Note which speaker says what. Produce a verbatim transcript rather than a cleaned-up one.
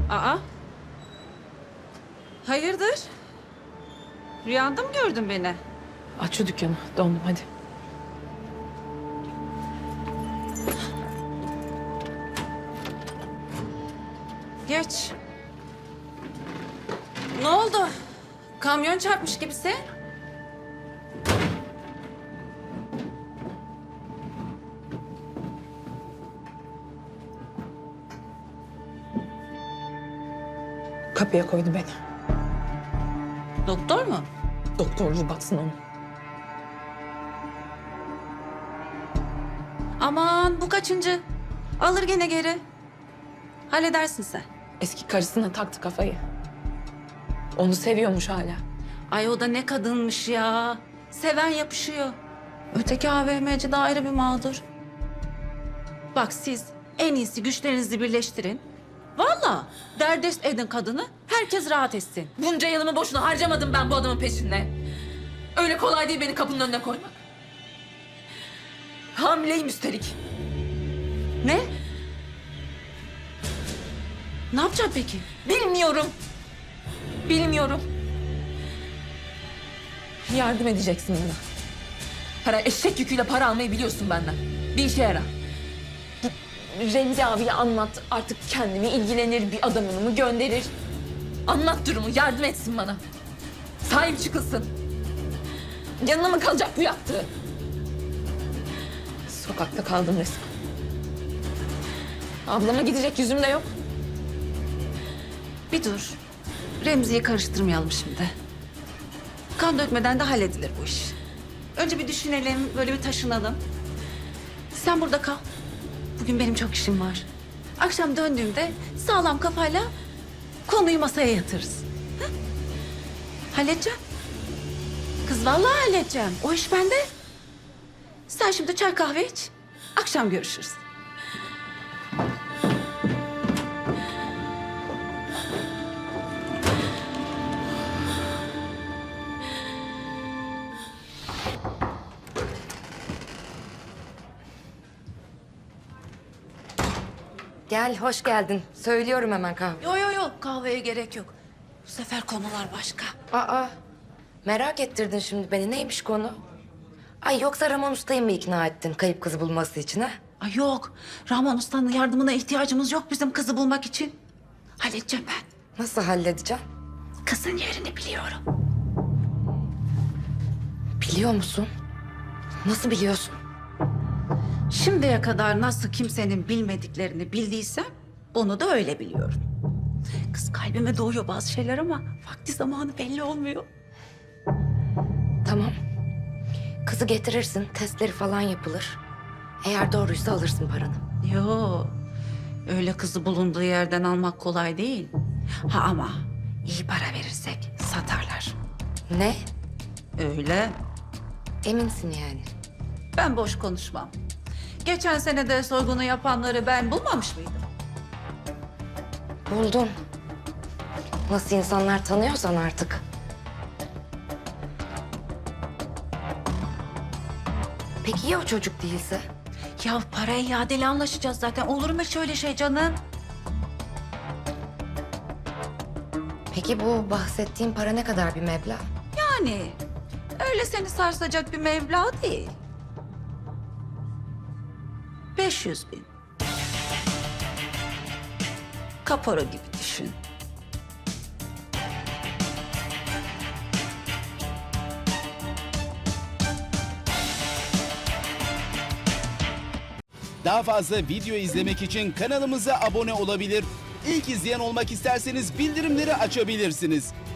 Speaker 1: Aa. Hayırdır? Rüyanda mı gördün beni?
Speaker 2: Aç şu dükkanı. Dondum hadi.
Speaker 1: Geç. Ne oldu? Kamyon çarpmış gibisin.
Speaker 2: Kapıya koydu beni.
Speaker 1: Doktor mu?
Speaker 2: Doktorluğu batsın onun.
Speaker 1: Aman bu kaçıncı? Alır gene geri. Halledersin sen.
Speaker 2: Eski karısına taktı kafayı. Onu seviyormuş hala.
Speaker 1: Ay o da ne kadınmış ya. Seven yapışıyor. Öteki A V M'ci de ayrı bir mağdur. Bak siz en iyisi güçlerinizi birleştirin. Vallahi derdest edin kadını. Herkes rahat etsin.
Speaker 2: Bunca yılımı boşuna harcamadım ben bu adamın peşinde. Öyle kolay değil beni kapının önüne koymak. Hamileyim üstelik.
Speaker 1: Ne? Ne yapacaksın peki?
Speaker 2: Bilmiyorum. Bilmiyorum. Yardım edeceksin bana. Her eşek yüküyle para almayı biliyorsun benden. Bir işe yara. Git Remzi abiye anlat. Artık kendimi ilgilenir, bir adamını mı gönderir? Anlat durumu, yardım etsin bana. Sahip çıkılsın. Yanına mı kalacak bu yaptığı? Sokakta kaldım resmen. Ablama gidecek yüzüm de yok.
Speaker 1: Bir dur. Remzi'yi karıştırmayalım şimdi. Kan dökmeden de halledilir bu iş. Önce bir düşünelim, böyle bir taşınalım. Sen burada kal. Bugün benim çok işim var. Akşam döndüğümde sağlam kafayla konuyu masaya yatırırız. Ha? Halledeceğim. Kız vallahi halledeceğim. O iş bende. Sen şimdi çay kahve iç. Akşam görüşürüz.
Speaker 3: Gel, hoş geldin. Söylüyorum hemen kahve.
Speaker 1: Yo yo yo kahveye gerek yok. Bu sefer konular başka.
Speaker 3: Aa, merak ettirdin şimdi beni. Neymiş konu? Ay yoksa Ramon Usta'yı mı ikna ettin kayıp kızı bulması için ha?
Speaker 1: Ay yok. Rahman Usta'nın yardımına ihtiyacımız yok bizim kızı bulmak için. Halledeceğim ben.
Speaker 3: Nasıl halledeceğim?
Speaker 1: Kızın yerini biliyorum.
Speaker 3: Biliyor musun? Nasıl biliyorsun?
Speaker 1: Şimdiye kadar nasıl kimsenin bilmediklerini bildiysem bunu da öyle biliyorum. Kız kalbime doğuyor bazı şeyler ama vakti zamanı belli olmuyor.
Speaker 3: Tamam. Kızı getirirsin, testleri falan yapılır. Eğer doğruysa alırsın paranı.
Speaker 1: Yo, öyle kızı bulunduğu yerden almak kolay değil. Ha ama iyi para verirsek satarlar.
Speaker 3: Ne?
Speaker 1: Öyle.
Speaker 3: Eminsin yani.
Speaker 1: Ben boş konuşmam. Geçen sene de soygunu yapanları ben bulmamış mıydım?
Speaker 3: Buldun. Nasıl insanlar tanıyorsan artık. Peki ya o çocuk değilse?
Speaker 1: Ya para iadeli anlaşacağız zaten. Olur mu şöyle şey canım?
Speaker 3: Peki bu bahsettiğin para ne kadar bir meblağ?
Speaker 1: Yani öyle seni sarsacak bir meblağ değil. Beş yüz bin. Kapora gibi düşün.
Speaker 4: Daha fazla video izlemek için kanalımıza abone olabilir. İlk izleyen olmak isterseniz bildirimleri açabilirsiniz.